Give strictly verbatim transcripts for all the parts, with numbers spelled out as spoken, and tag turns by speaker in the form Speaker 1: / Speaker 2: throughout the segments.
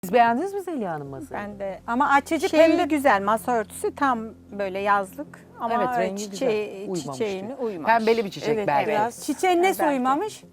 Speaker 1: Siz beğendiniz mi Zeliha Hanım masayı?
Speaker 2: Ben de
Speaker 3: Ama açıcı
Speaker 2: şey
Speaker 3: pembe.
Speaker 2: güzel, masa örtüsü tam böyle yazlık ama
Speaker 1: Evet, rengi
Speaker 2: çiçeği,
Speaker 1: güzel. Uymamış
Speaker 2: çiçeğine
Speaker 1: diyor.
Speaker 2: uymamış.
Speaker 1: Pembeli bir çiçek
Speaker 4: Evet,
Speaker 1: belki.
Speaker 4: biraz.
Speaker 3: Çiçeğin nesi
Speaker 2: Belki.
Speaker 3: uymamış?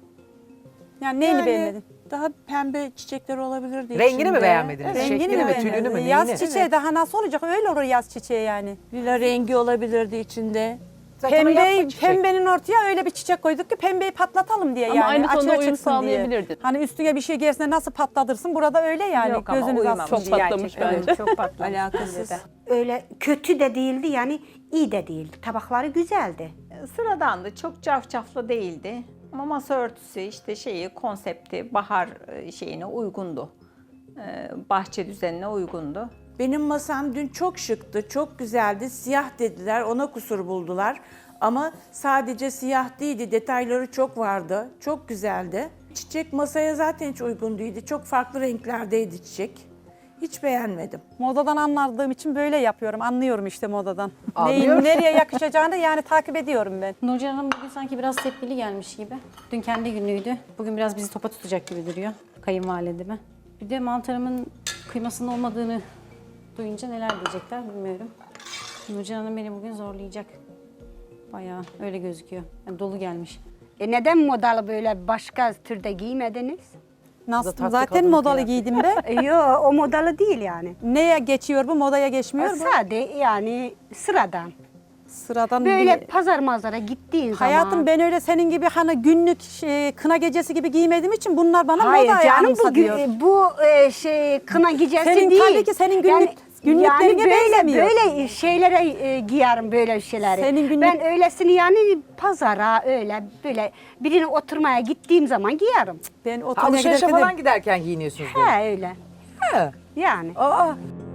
Speaker 3: Yani neyini
Speaker 4: Yani
Speaker 3: beğenmedin?
Speaker 4: daha pembe çiçekler olabilirdi
Speaker 1: Rengini mi
Speaker 4: içinde.
Speaker 1: beğenmediniz?
Speaker 4: Evet.
Speaker 1: Şeklini
Speaker 3: Rengini
Speaker 1: mi,
Speaker 3: mi
Speaker 1: tülünü mü,
Speaker 3: beğenmedin?
Speaker 1: neyini?
Speaker 3: Yaz çiçeği daha nasıl olacak? Öyle olur yaz çiçeği yani.
Speaker 4: Lila rengi olabilirdi içinde.
Speaker 1: Zaten o yapma
Speaker 3: Pembeyi,
Speaker 1: çiçek.
Speaker 3: pembenin ortaya öyle bir çiçek koyduk ki pembeyi patlatalım diye
Speaker 5: Ama
Speaker 3: yani.
Speaker 5: aynı tonda
Speaker 3: açığa
Speaker 5: uyum
Speaker 3: çıksın diye.
Speaker 5: sağlayabilirdin.
Speaker 3: Hani üstüne bir şey gelse nasıl patlatırsın? Burada öyle yani.
Speaker 2: Yok ama
Speaker 3: Gözünüz
Speaker 2: uyumamış
Speaker 3: atsın
Speaker 5: Çok
Speaker 3: diye.
Speaker 5: patlamış
Speaker 2: gerçekten.
Speaker 5: bence.
Speaker 2: Çok patlamış.
Speaker 4: Alakasız.
Speaker 2: bence de.
Speaker 6: Öyle kötü de değildi yani iyi de değildi. Tabakları güzeldi.
Speaker 2: Sıradandı, çok cafcaflı değildi. Ama masa örtüsü işte şeyi, konsepti, bahar e, şeyine uygundu. Ee, bahçe düzenine uygundu.
Speaker 4: Benim masam dün çok şıktı, çok güzeldi. Siyah dediler, ona kusur buldular. Ama sadece siyah değildi, detayları çok vardı. Çok güzeldi. Çiçek masaya zaten hiç uygun değildi. Çok farklı renklerdeydi çiçek. Hiç beğenmedim.
Speaker 3: Modadan anladığım için böyle yapıyorum. Anlıyorum işte modadan.
Speaker 1: Anlıyor.
Speaker 3: Neyin nereye yakışacağını yani takip ediyorum ben.
Speaker 7: Nurcan Hanım bugün sanki biraz tepkili gelmiş gibi. Dün kendi günüydü. Bugün biraz bizi topa tutacak gibi duruyor. Kayınvalideme. Bir de mantarımın kıymasının olmadığını duyunca neler diyecekler bilmiyorum. Nurcan Hanım beni bugün zorlayacak. Bayağı öyle gözüküyor. Yani dolu gelmiş.
Speaker 6: E neden modalı böyle başka türde giymediniz?
Speaker 3: Nasıl?
Speaker 1: tatlı
Speaker 3: Zaten
Speaker 1: kadın
Speaker 3: modalı
Speaker 1: kıyafeti.
Speaker 3: giydim be.
Speaker 6: E, Yo o modalı değil yani.
Speaker 3: Neye geçiyor bu? Modaya geçmiyor bu.
Speaker 6: Sade yani sıradan.
Speaker 3: Sıradan
Speaker 6: Böyle
Speaker 3: bir...
Speaker 6: pazar manzara gittiğin
Speaker 3: Hayatım
Speaker 6: zaman.
Speaker 3: ben öyle senin gibi hani günlük şey, kına gecesi gibi giymediğim için bunlar bana
Speaker 6: Hayır
Speaker 3: modayı
Speaker 6: canım bu,
Speaker 3: anımsatıyor.
Speaker 6: gü- bu e, şey kına gecesi
Speaker 3: Senin
Speaker 6: değil.
Speaker 3: tabii ki senin günlük-
Speaker 6: yani,
Speaker 3: günlüklerine
Speaker 6: yani böyle,
Speaker 3: benzemiyor.
Speaker 6: böyle şeylere e, giyerim böyle şeyleri.
Speaker 3: Senin günlük-
Speaker 6: Ben öylesini yani pazara öyle böyle birine oturmaya gittiğim zaman giyerim.
Speaker 3: Ben o
Speaker 1: Ha, Alışverişe
Speaker 3: giderken de-
Speaker 1: falan giderken giyiniyorsunuz böyle.
Speaker 6: He öyle.
Speaker 1: He.
Speaker 6: Yani.
Speaker 1: Aa,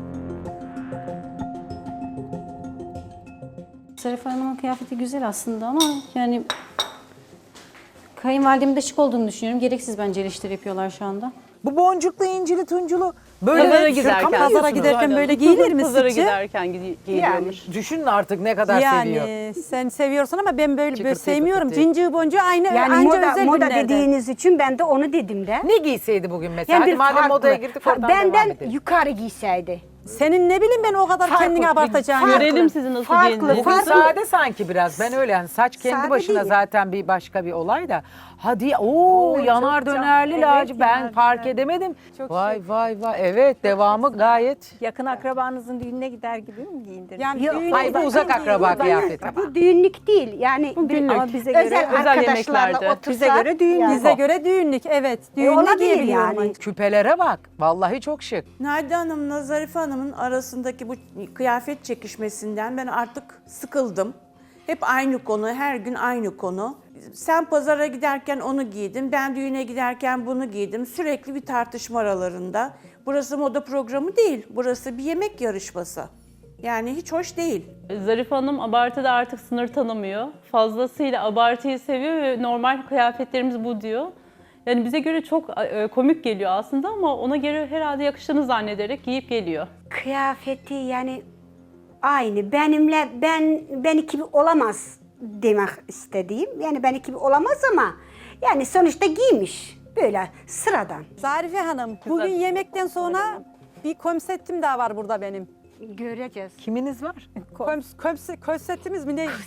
Speaker 7: Zarife Hanım'ın kıyafeti güzel aslında ama yani kayınvalidemin de şık olduğunu düşünüyorum. Gereksiz bence eleştiri yapıyorlar şu anda.
Speaker 1: bu boncuklu, incili, tunculu böyle
Speaker 5: Pazara
Speaker 1: şaka mı
Speaker 5: giderken.
Speaker 3: Pazara
Speaker 1: giyiyorsunuz?
Speaker 3: giderken
Speaker 5: Aynen.
Speaker 3: böyle giyilir mi
Speaker 5: Pazara
Speaker 3: sizce?
Speaker 5: giderken gi- giyiliyormuş.
Speaker 1: Düşünün artık ne kadar seviyor.
Speaker 3: Yani sen seviyorsun ama ben böyle, böyle
Speaker 1: Çıkırtı
Speaker 3: sevmiyorum.
Speaker 1: pıtı.
Speaker 3: Cincir boncuğu aynı
Speaker 6: Yani
Speaker 3: anca
Speaker 6: moda,
Speaker 3: özel
Speaker 6: moda
Speaker 3: günlerde.
Speaker 6: dediğiniz için ben de onu dedim de.
Speaker 1: Ne giyseydi bugün mesela?
Speaker 6: Yani
Speaker 1: Hadi
Speaker 6: bir
Speaker 1: madem
Speaker 6: farklı.
Speaker 1: modaya girdik
Speaker 6: Fa-
Speaker 1: oradan devam
Speaker 6: Benden
Speaker 1: edelim.
Speaker 6: yukarı giyseydi.
Speaker 3: Senin ne bileyim ben o kadar
Speaker 6: Farklı,
Speaker 3: kendini abartacağını.
Speaker 6: farklı.
Speaker 5: Görelim sizi nasıl
Speaker 6: Farklı,
Speaker 5: giyindiğinizi.
Speaker 1: Bugün
Speaker 6: farklı.
Speaker 1: sade sanki biraz. Ben öyle yani saç kendi
Speaker 6: Sade
Speaker 1: başına
Speaker 6: değil.
Speaker 1: zaten bir başka bir olay da. Hadi o yanar
Speaker 2: çok
Speaker 1: dönerli
Speaker 2: can-
Speaker 1: lacı
Speaker 2: evet,
Speaker 1: ben
Speaker 2: yanar
Speaker 1: fark
Speaker 2: döner.
Speaker 1: edemedim.
Speaker 3: Çok
Speaker 1: vay vay vay evet devamı gayet.
Speaker 2: Yakın akrabanızın düğününe gider gibi mi giyindirdiniz?
Speaker 3: Yani
Speaker 6: Yok,
Speaker 3: düğüne
Speaker 1: Hayır bu
Speaker 3: giderken
Speaker 1: uzak akraba
Speaker 3: giyilir.
Speaker 1: kıyafeti.
Speaker 6: Bu düğünlük değil. Yani bir,
Speaker 5: günlük.
Speaker 2: Ama bize göre
Speaker 6: özel,
Speaker 5: özel
Speaker 6: arkadaşlarla
Speaker 5: yemeklerde.
Speaker 6: otursak.
Speaker 2: Bize göre düğün.
Speaker 6: yani.
Speaker 3: Bize göre düğünlük evet. Düğünlük
Speaker 6: olabilir
Speaker 3: giyebiliyorum.
Speaker 6: yani.
Speaker 1: Küpelere bak vallahi çok şık.
Speaker 4: Nadide Hanım'la Zarife Hanım'ın arasındaki bu kıyafet çekişmesinden ben artık sıkıldım. Hep aynı konu, her gün aynı konu. Sen pazara giderken onu giydin, ben düğüne giderken bunu giydim. Sürekli bir tartışma aralarında. Burası moda programı değil, burası bir yemek yarışması. Yani hiç hoş değil.
Speaker 5: Zarife Hanım abartıda artık sınır tanımıyor. Fazlasıyla abartıyı seviyor ve normal kıyafetlerimiz bu diyor. Yani bize göre çok e, komik geliyor aslında ama ona göre herhalde yakıştığını zannederek giyip geliyor.
Speaker 6: Kıyafeti yani aynı. Benimle ben ben gibi olamaz demek istediğim. Yani ben gibi olamaz ama yani sonuçta giymiş. Böyle sıradan.
Speaker 3: Zarife Hanım bugün yemekten sonra bir konseptim daha var burada benim.
Speaker 6: Göreceğiz.
Speaker 1: Kiminiz var?
Speaker 3: Koms, komse- konseptimiz mi ne?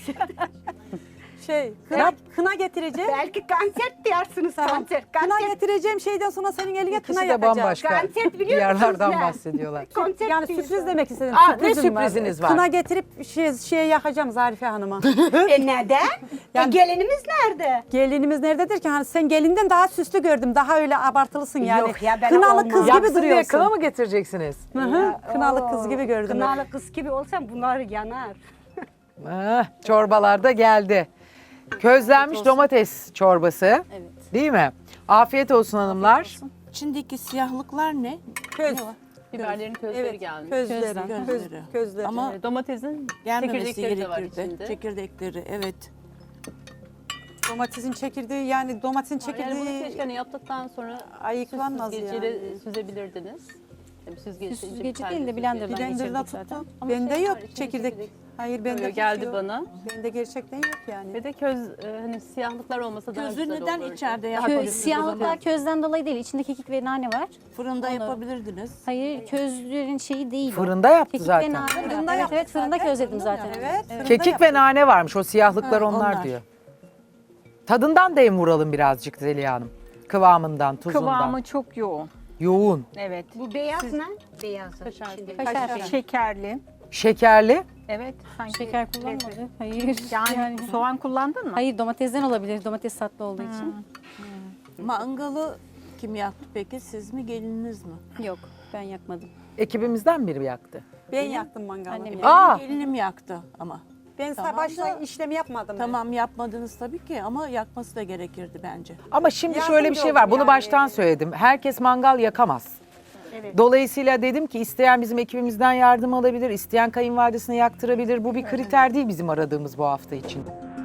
Speaker 3: şey kına, kına getireceğim.
Speaker 6: Belki konser diyorsunuz konser.
Speaker 3: Kına
Speaker 6: Konser,
Speaker 3: getireceğim şeyden sonra senin eline kına
Speaker 1: İkisi de
Speaker 3: yakacağım.
Speaker 1: bambaşka
Speaker 6: Konser biliyor musunuz
Speaker 1: yerlerden
Speaker 6: ne?
Speaker 1: bahsediyorlar.
Speaker 6: konser
Speaker 3: Yani
Speaker 6: diyorsun.
Speaker 3: sürpriz demek istedim.
Speaker 1: Aa, ne
Speaker 3: Sürprizim
Speaker 1: sürpriziniz var?
Speaker 3: Kına getirip şey, şeye yakacağım Zarife Hanım'a.
Speaker 6: E neden?
Speaker 3: Yani-
Speaker 6: e gelinimiz nerede?
Speaker 3: Gelinimiz nerededir ki? Hani sen gelinden daha süslü gördüm. Daha öyle abartılısın yani.
Speaker 6: Yok ya, ben
Speaker 3: Kınalı
Speaker 6: olmam.
Speaker 3: kız gibi
Speaker 1: Yaksın diye
Speaker 3: duruyorsun.
Speaker 1: kına mı getireceksiniz?
Speaker 3: Hı hı, Kınalı
Speaker 6: Oo,
Speaker 3: kız gibi gördüm.
Speaker 6: Kınalı kız gibi olsam bunlar yanar.
Speaker 1: Ah, çorbalar da geldi. Közlenmiş domates çorbası.
Speaker 7: Evet.
Speaker 1: Değil mi? Afiyet olsun hanımlar.
Speaker 4: İçindeki siyahlıklar ne?
Speaker 3: Köz.
Speaker 5: Biberlerin közleri
Speaker 3: Evet,
Speaker 5: gelmiş.
Speaker 3: közleri.
Speaker 4: Közleri.
Speaker 3: Köz, közleri.
Speaker 4: Ama
Speaker 5: E, Domatesin
Speaker 4: gelmemesi
Speaker 5: çekirdekleri de var
Speaker 4: gerekirdi.
Speaker 5: içinde.
Speaker 4: Çekirdekleri, evet.
Speaker 3: Domatesin çekirdeği yani domatesin
Speaker 5: Yani bunu
Speaker 3: çekirdeği
Speaker 5: keşke hani yaptıktan sonra
Speaker 3: ayıklanmaz
Speaker 5: süzgeciyle
Speaker 3: yani.
Speaker 5: süzebilirdiniz. Tabii süzgeci,
Speaker 7: Süzgeci değil de blenderdan
Speaker 3: Blender'da
Speaker 7: geçirdik
Speaker 3: tuttum.
Speaker 7: zaten.
Speaker 3: Bende
Speaker 5: şey
Speaker 3: yok
Speaker 5: var, içinde
Speaker 3: çekirdek.
Speaker 5: çekirdek
Speaker 3: Hayır bende
Speaker 5: Böyle geldi
Speaker 3: yok.
Speaker 5: bana.
Speaker 3: Bende gerçekten yok yani.
Speaker 5: Ve de köz e, hani siyahlıklar olmasa daha
Speaker 4: Közü
Speaker 5: güzel
Speaker 4: neden
Speaker 5: olurdu.
Speaker 4: içeride
Speaker 7: Kö,
Speaker 4: yapabilirsiniz o
Speaker 7: siyahlıklar
Speaker 4: zaman?
Speaker 7: közden dolayı değil. İçinde kekik ve nane var.
Speaker 4: Fırında yapabilirdiniz.
Speaker 7: Hayır közlerin şeyi değil. o.
Speaker 1: Fırında yaptı
Speaker 7: Kekik
Speaker 1: zaten.
Speaker 7: ve nane.
Speaker 3: Fırında
Speaker 7: evet
Speaker 3: yaptı
Speaker 7: evet fırında
Speaker 3: zaten.
Speaker 7: közledim zaten.
Speaker 3: Evet. fırında
Speaker 1: Kekik
Speaker 3: yaptım.
Speaker 1: ve nane varmış. O siyahlıklar
Speaker 4: Ha,
Speaker 1: onlar,
Speaker 4: onlar.
Speaker 1: diyor. Tadından dem vuralım birazcık Zeliha Hanım. Kıvamından, tuzundan.
Speaker 2: Kıvamı çok yoğun.
Speaker 1: Yoğun.
Speaker 2: Evet.
Speaker 6: Bu beyaz ne? Beyaz. içinde.
Speaker 7: Kaşar.
Speaker 2: Şekerli.
Speaker 1: Şekerli.
Speaker 2: Evet. Sanki
Speaker 7: Şeker kullanmadı. Hayır.
Speaker 2: Yani, soğan kullandın mı?
Speaker 7: Hayır domatesden olabilir. Domates tatlı olduğu için.
Speaker 4: Mangalı kim yaktı peki? Siz mi, gelininiz mi?
Speaker 7: Yok ben yakmadım.
Speaker 1: Ekibimizden biri yaktı.
Speaker 3: Ben yaktım mangalı.
Speaker 7: Annem
Speaker 3: Benim-
Speaker 7: yaktı.
Speaker 1: Aa!
Speaker 4: Gelinim yaktı ama.
Speaker 3: Ben
Speaker 4: Tamam
Speaker 3: başta
Speaker 4: da-
Speaker 3: işlemi yapmadım. ben.
Speaker 4: Tamam yapmadınız tabii ki ama yakması da gerekirdi bence.
Speaker 1: Ama şimdi
Speaker 3: Yardımcı
Speaker 1: şöyle bir şey var.
Speaker 3: oldu
Speaker 1: Bunu
Speaker 3: yani.
Speaker 1: baştan söyledim. Herkes mangal yakamaz. Dolayısıyla dedim ki isteyen bizim ekibimizden yardım alabilir, isteyen kayınvalidesine yaktırabilir. Bu bir kriter değil bizim aradığımız bu hafta için.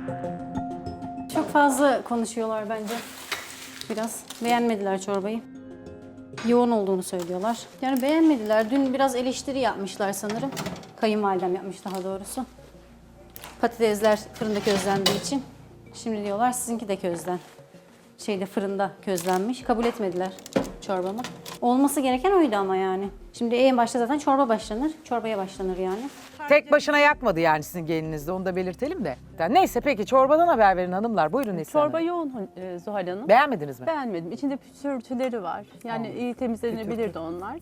Speaker 7: Çok fazla konuşuyorlar bence. Biraz beğenmediler çorbayı. Yoğun olduğunu söylüyorlar. Yani beğenmediler. Dün biraz eleştiri yapmışlar sanırım. Kayınvalidem yapmış daha doğrusu. Patatesler fırında közlendiği için. Şimdi diyorlar sizinki de közlen. Şeyde fırında közlenmiş. Kabul etmediler çorbamı. Olması gereken oydu ama yani. Şimdi en başta zaten çorba başlanır. Çorbaya başlanır yani.
Speaker 1: Tek başına yakmadı yani sizin gelininiz de, onu da belirtelim de. Yani neyse peki çorbadan haber verin hanımlar. Buyurun Neslihan
Speaker 5: Çorba
Speaker 1: Hanım.
Speaker 5: yoğun e, Zuhal Hanım.
Speaker 1: Beğenmediniz mi?
Speaker 5: Beğenmedim. İçinde pütürtüleri var. Yani iyi temizlenebilirdi onlar.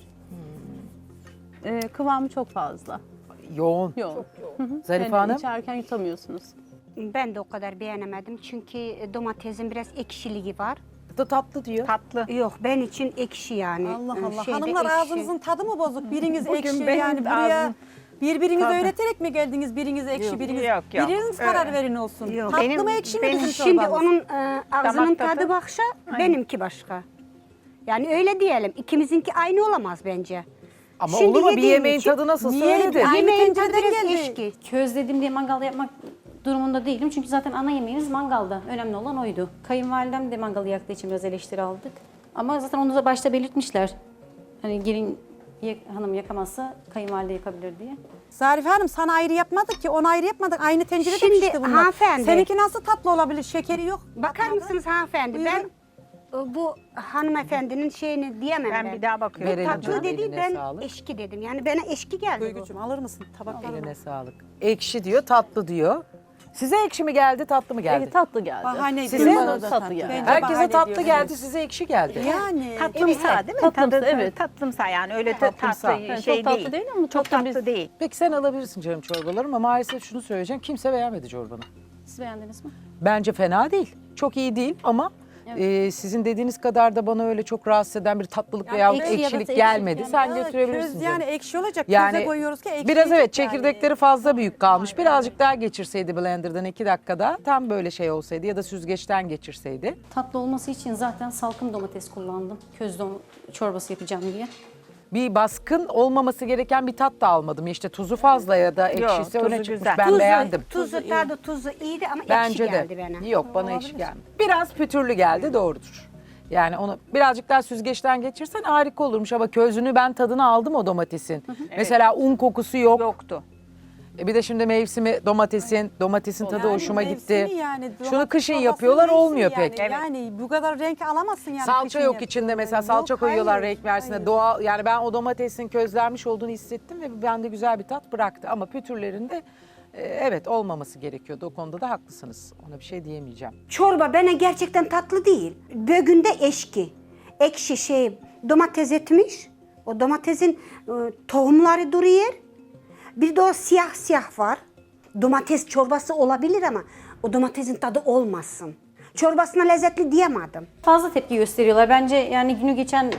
Speaker 5: E, kıvamı çok fazla.
Speaker 1: Yoğun.
Speaker 5: Yoğun. Hı hı.
Speaker 1: Zarife
Speaker 5: Yani
Speaker 1: Hanım?
Speaker 5: içerken yutamıyorsunuz.
Speaker 6: Ben de o kadar beğenemedim çünkü domatesin biraz ekşiliği var.
Speaker 1: Da tatlı diyor.
Speaker 2: Tatlı.
Speaker 6: Yok ben için ekşi yani.
Speaker 3: Allah
Speaker 6: Ee,
Speaker 3: Allah.
Speaker 6: şeyde
Speaker 3: Hanımlar
Speaker 6: ekşi.
Speaker 3: ağzınızın tadı mı bozuk? Biriniz
Speaker 2: Bugün
Speaker 3: ekşi
Speaker 2: benim
Speaker 3: yani buraya
Speaker 2: ağzım-
Speaker 3: birbirinizi
Speaker 2: Tadı.
Speaker 3: öğreterek mi geldiniz? Biriniz ekşi, biriniz.
Speaker 2: yok, yok.
Speaker 3: Biriniz karar
Speaker 2: Evet.
Speaker 3: verin olsun.
Speaker 6: Yok.
Speaker 3: Tatlı
Speaker 2: Benim-
Speaker 3: mı ekşi mi
Speaker 2: benim
Speaker 3: bizim
Speaker 6: Şimdi
Speaker 3: çorbamız?
Speaker 6: onun e, ağzının
Speaker 2: Damak
Speaker 6: tadı
Speaker 2: tadı.
Speaker 6: başka, benimki başka. Yani öyle diyelim. İkimizinki aynı olamaz bence.
Speaker 1: Ama
Speaker 6: Şimdi
Speaker 1: olur mu? Bir
Speaker 6: yediğim
Speaker 1: yemeğin
Speaker 6: için-
Speaker 1: tadı nasılsa
Speaker 3: Niye?
Speaker 1: öyledir.
Speaker 3: Aynı
Speaker 6: Yemeğin tadı
Speaker 3: tencereden
Speaker 6: biraz
Speaker 3: geldi.
Speaker 6: eşki.
Speaker 7: Közledim diye mangalda yapmak durumunda değilim. Çünkü zaten ana yemeğimiz mangalda. Önemli olan oydu. Kayınvalidem de mangalı yaktığı için biraz eleştiri aldık. Ama zaten onu da başta belirtmişler. Hani gelin yak- hanım yakamazsa kayınvalide yakabilir diye.
Speaker 3: Zarife Hanım sana ayrı yapmadık ki, ona ayrı yapmadık. Aynı tencerede
Speaker 6: Şimdi
Speaker 3: pişti bunlar.
Speaker 6: hanımefendi-
Speaker 3: Seninki nasıl tatlı olabilir? Şekeri yok.
Speaker 6: Bakar mısınız hanımefendi?
Speaker 3: Buyurun.
Speaker 6: Ben e, bu hanımefendinin şeyini diyemem ben.
Speaker 2: Ben bir daha bakıyorum.
Speaker 1: Verelim
Speaker 6: Tatlı
Speaker 1: canım,
Speaker 6: dedi
Speaker 1: eline
Speaker 6: ben
Speaker 1: sağlık.
Speaker 6: eşki dedim. Yani bana eşki geldi bu.
Speaker 3: Duygucuğum alır mısın tabaklarını?
Speaker 1: Eline sağlık. Ekşi diyor, tatlı diyor. Size ekşi mi geldi, tatlı mı geldi?
Speaker 5: E, tatlı geldi.
Speaker 3: Bahane
Speaker 1: Size
Speaker 3: ediyor.
Speaker 1: mi?
Speaker 3: Bana da
Speaker 5: Tatlı geldi.
Speaker 3: Bence
Speaker 1: Herkese
Speaker 3: bahane
Speaker 1: tatlı
Speaker 3: ediyor.
Speaker 1: geldi, size ekşi geldi.
Speaker 3: Yani.
Speaker 2: Tatlımsa değil mi?
Speaker 5: Tatlımsa,
Speaker 2: Tadı,
Speaker 5: evet.
Speaker 2: Tatlımsa yani öyle
Speaker 1: Tatlımsa.
Speaker 2: tatlı
Speaker 5: Yani
Speaker 2: şey
Speaker 5: çok tatlı
Speaker 2: değil.
Speaker 5: değil ama
Speaker 2: çok
Speaker 5: tatlı
Speaker 2: tatlı
Speaker 5: biz-
Speaker 2: değil.
Speaker 1: Peki sen alabilirsin canım çorbaları ama maalesef şunu söyleyeceğim. Kimse beğenmedi çorbanı.
Speaker 7: Siz beğendiniz mi?
Speaker 1: Bence fena değil. Çok iyi değil ama e, sizin dediğiniz kadar da bana öyle çok rahatsız eden bir tatlılık
Speaker 7: Yani
Speaker 1: veya
Speaker 7: ekşi ya da
Speaker 1: ekşilik
Speaker 7: ekşi
Speaker 1: gelmedi.
Speaker 7: yani.
Speaker 1: Sen
Speaker 3: Ya,
Speaker 1: götürebilirsin
Speaker 3: köz
Speaker 1: canım.
Speaker 3: yani ekşi olacak.
Speaker 1: Yani
Speaker 3: Köze koyuyoruz ki ekşi
Speaker 1: biraz evet
Speaker 3: yiyecek yani.
Speaker 1: çekirdekleri fazla büyük kalmış. Birazcık daha geçirseydi blenderdan iki dakikada tam böyle şey olsaydı ya da süzgeçten geçirseydi.
Speaker 7: Tatlı olması için zaten salkım domates kullandım. Köz dom çorbası yapacağım diye.
Speaker 1: Bir baskın olmaması gereken bir tat da almadım. İşte tuzu fazla ya da ekşisi
Speaker 2: tuzu
Speaker 1: öne çıkmış.
Speaker 2: güzel.
Speaker 1: Ben
Speaker 6: Tuzu,
Speaker 1: beğendim.
Speaker 6: Tuzu, tadı tuzu iyiydi ama
Speaker 1: Bence
Speaker 6: ekşi
Speaker 1: de.
Speaker 6: geldi bana.
Speaker 1: Yok bana ekşi gelmedi. Biraz pütürlü geldi doğrudur. Yani onu birazcık daha süzgeçten geçirsen harika olurmuş ama közünü ben tadını aldım o domatesin. Mesela un kokusu yok.
Speaker 2: Yoktu.
Speaker 1: E bir de şimdi mevsimi domatesin, domatesin tadı
Speaker 3: Yani
Speaker 1: hoşuma
Speaker 3: mevsimi
Speaker 1: gitti.
Speaker 3: yani,
Speaker 1: Şunu
Speaker 3: domates
Speaker 1: kışın
Speaker 3: çorbasının
Speaker 1: yapıyorlar
Speaker 3: mevsimi
Speaker 1: olmuyor
Speaker 3: yani.
Speaker 1: pek.
Speaker 3: Yani bu kadar renk alamazsın yani.
Speaker 1: Salça
Speaker 3: kışın
Speaker 1: yok
Speaker 3: yaptığın
Speaker 1: içinde mesela
Speaker 3: zaman.
Speaker 1: salça
Speaker 3: Yok,
Speaker 1: koyuyorlar
Speaker 3: hayır,
Speaker 1: renk versin
Speaker 3: hayır.
Speaker 1: Doğal yani ben o domatesin közlenmiş olduğunu hissettim ve bende güzel bir tat bıraktı. Ama pütürlerinde e, evet olmaması gerekiyordu. O konuda da haklısınız. Ona bir şey diyemeyeceğim.
Speaker 6: Çorba bana gerçekten tatlı değil. Bögünde eşki. Ekşi şey domates etmiş. O domatesin e, tohumları duruyor. Bir de o siyah siyah var. Domates çorbası olabilir ama o domatesin tadı olmasın. Çorbasına lezzetli diyemedim.
Speaker 7: Fazla tepki gösteriyorlar. Bence yani günü geçen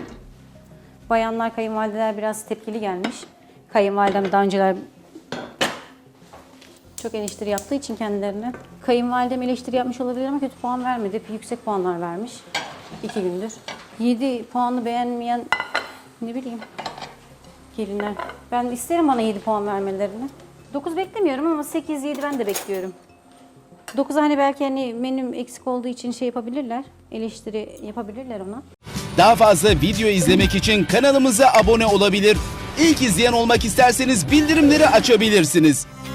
Speaker 7: bayanlar, kayınvalideler biraz tepkili gelmiş. Kayınvalidem daha önceler çok eleştiri yaptığı için kendilerine. Kayınvalidem eleştiri yapmış olabilir ama kötü puan vermedi. Hep yüksek puanlar vermiş. iki gündür. yedi puanı beğenmeyen ne bileyim gelinler. Ben isterim bana yedi puan vermelerini. dokuz beklemiyorum ama sekiz yedi ben de bekliyorum. dokuza hani belki hani menüm eksik olduğu için şey yapabilirler. Eleştiri yapabilirler ona.
Speaker 8: Daha fazla video izlemek için kanalımıza abone olabilir. İlk izleyen olmak isterseniz bildirimleri açabilirsiniz.